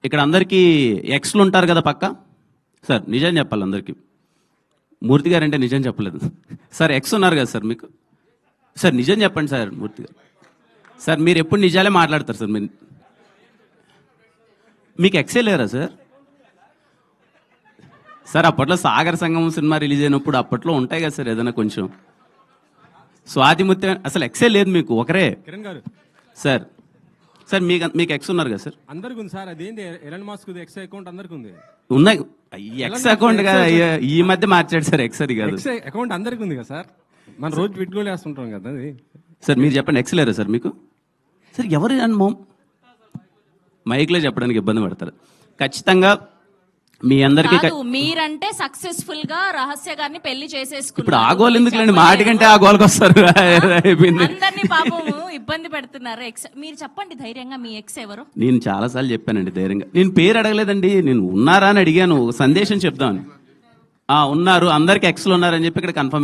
ఇక్కడ అందరికీ ఎక్స్లు ఉంటారు కదా పక్క. సార్ నిజం చెప్పాలి అందరికీ. మూర్తి గారు అంటే నిజం చెప్పలేదు సార్. ఎక్స్ ఉన్నారు కదా సార్ మీకు. సార్ నిజం చెప్పండి సార్. మూర్తి గారు సార్ మీరు ఎప్పుడు నిజాలే మాట్లాడతారు సార్. మీకు ఎక్సే లేరా సార్? సార్ అప్పట్లో సాగర సంగమం సినిమా రిలీజ్ అయినప్పుడు అప్పట్లో ఉంటాయి కదా సార్ ఏదైనా కొంచెం. స్వాతి ముత్యం అసలు ఎక్సే లేదు మీకు, ఒకరే. కిరణ్ గారు సార్ సార్ మీకు ఎక్స్ ఉన్నారు కదా సార్? అందరికి ఉంది సార్. అదేంటి ఎలన్ మాస్క్ ఎక్స్ అకౌంట్ అందరికి ఉంది. ఉన్నాయి. ఎక్స్ అకౌంట్ కదా ఈ మధ్య మార్చాడు సార్. ఎక్స్ అది కాదు. ఎక్స్ అకౌంట్ అందరికి ఉంది కదా సార్. మన రోజు పెట్టుకోలే వేస్తుంటాం కదా అది. సార్ మీరు చెప్పండి, ఎక్స్ లేరా సార్ మీకు? సార్ ఎవరు అని మైక్లో చెప్పడానికి ఇబ్బంది పడతారు. ఖచ్చితంగా మీ అందరికీ మీరంటే సక్సెస్ఫుల్ గా రహస్య గారిని పెళ్లి చేసేసుకున్నారు. ఇప్పుడు ఆ గోల్ ఎందుకులేండి, మాటి కంటే ఆ గోల్కి వస్తారు. అందరినీ పాపము ఇబ్బంది పెడుతున్నారు. ఎక్స్ మీరు చెప్పండి ధైర్యంగా, మీ ఎక్స్ ఎవరు? నేను చాలా సార్లు చెప్పానండి ధైర్యంగా. నేను పేరు అడగలేదండి, నేను ఉన్నారా అని అడిగాను. సందేశం చెప్దామని. ఉన్నారు, అందరికి ఎక్స్లు ఉన్నారని చెప్పి ఇక్కడ కన్ఫర్మ్